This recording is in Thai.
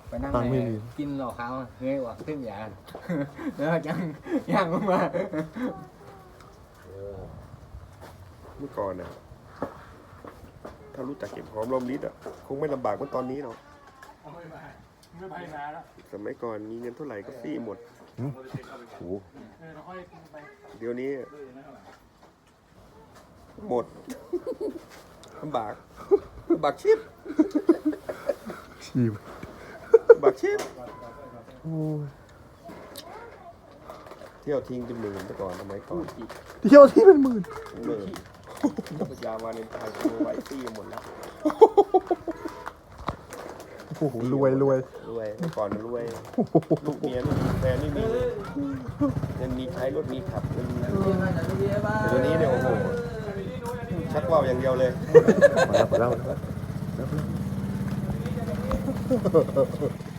ไปนั่งตังค์ไม่มีกินหลอกเขาเฮ้ยว่าขึ้นยาแล้วยังลงมาเมื่อก่อนนะถ้ารู้จักเก็บหอมรอมริบอ่ะคงไม่ลำบากเหมือนตอนนี้หรอกไม่ไปนานแล้วสมัยก่อนมีเงินเท่าไหร่ก็ฟรีหมดโหเราค่อยไปเดี๋ยวนี้หมด ลำบากชิบชีพลำบากชิบโอ้ยเที่ยวทิ้งเป็นหมื่นแต่ก่อนสมัยก่อนเที่ยวที่เป็นหมื่นหมื่นปัญญาวาเลนไทน์โทรไว้ฟรีหมดแล้วโอ้โหรวยรวยเมื่อก่อนรวยลูกเมียไม่มีแฟนไม่มีเงินมีใช้รถมีขับเงินมีแต่เดี๋ยวนี้เนี่ยโอ้โหชักว่าวอย่างเดียวเลยมาแล้ว